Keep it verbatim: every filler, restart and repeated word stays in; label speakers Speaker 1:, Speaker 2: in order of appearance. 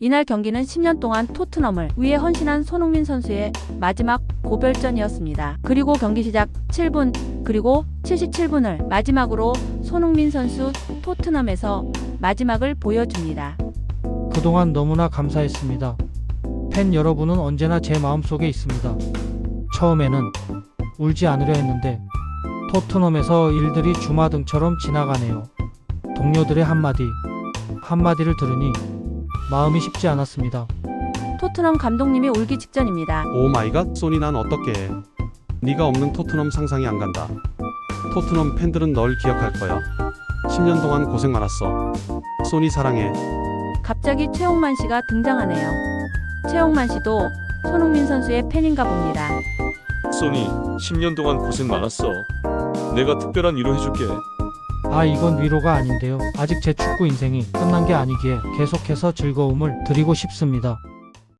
Speaker 1: 이날 경기는 십 년 동안 토트넘을 위해 헌신한 손흥민 선수의 마지막 고별전이었습니다. 그리고 경기 시작 칠 분 그리고 칠십칠 분을 마지막으로 손흥민 선수 토트넘에서 마지막을 보여줍니다.
Speaker 2: 그동안 너무나 감사했습니다. 팬 여러분은 언제나 제 마음속에 있습니다. 처음에는 울지 않으려 했는데 토트넘에서 일들이 주마등처럼 지나가네요. 동료들의 한마디 한마디를 들으니 마음이 쉽지 않았습니다.
Speaker 1: 토트넘 감독님이 울기 직전입니다.
Speaker 3: 오 마이 갓, 소니 난 어떻게 해. 네가 없는 토트넘 상상이 안 간다. 토트넘 팬들은 널 기억할 거야. 십 년 동안 고생 많았어. 소니 사랑해.
Speaker 1: 갑자기 최홍만 씨가 등장하네요. 최홍만 씨도 손흥민 선수의 팬인가 봅니다.
Speaker 4: 소니, 십 년 동안 고생 많았어. 내가 특별한 위로 해줄게.
Speaker 2: 아, 이건 위로가 아닌데요. 아직 제 축구 인생이 끝난 게 아니기에 계속해서 즐거움을 드리고 싶습니다.